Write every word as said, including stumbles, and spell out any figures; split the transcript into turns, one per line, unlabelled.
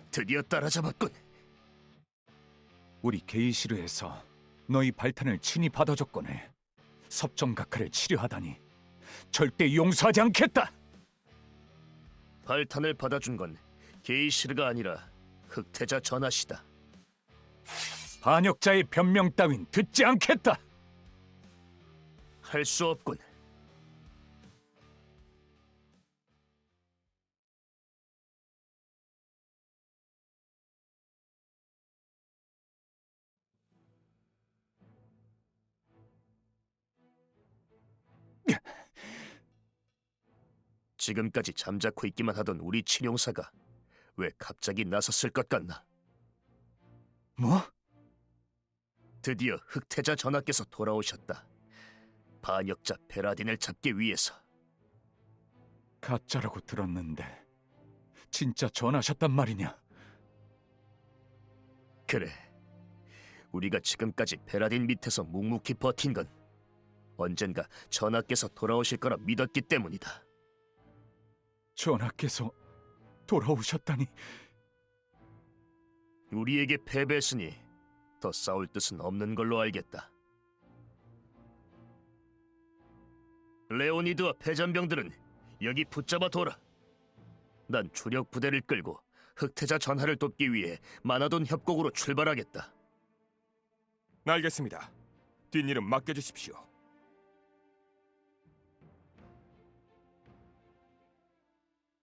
드디어 따라잡았군.
우리 게이시르에서 너희 발탄을 친히 받아줬거늘 섭정각하를 치료하다니 절대 용서하지 않겠다.
발탄을 받아준 건 게이시르가 아니라 흑태자 전하시다.
반역자의 변명 따윈 듣지 않겠다.
할 수 없군. 지금까지 잠자코 있기만 하던 우리 친용사가 왜 갑자기 나섰을 것 같나?
뭐?
드디어 흑태자 전하께서 돌아오셨다. 반역자 베라딘을 잡기 위해서.
가짜라고 들었는데 진짜 전하셨단 말이냐?
그래. 우리가 지금까지 베라딘 밑에서 묵묵히 버틴 건 언젠가 전하께서 돌아오실 거라 믿었기 때문이다.
전하께서 돌아오셨다니.
우리에게 패배했으니 더 싸울 뜻은 없는 걸로 알겠다. 레오니드와 패잔병들은 여기 붙잡아 둬라. 난 주력 부대를 끌고 흑태자 전하를 돕기 위해 마나돈 협곡으로 출발하겠다.
알겠습니다. 뒷일은 맡겨주십시오.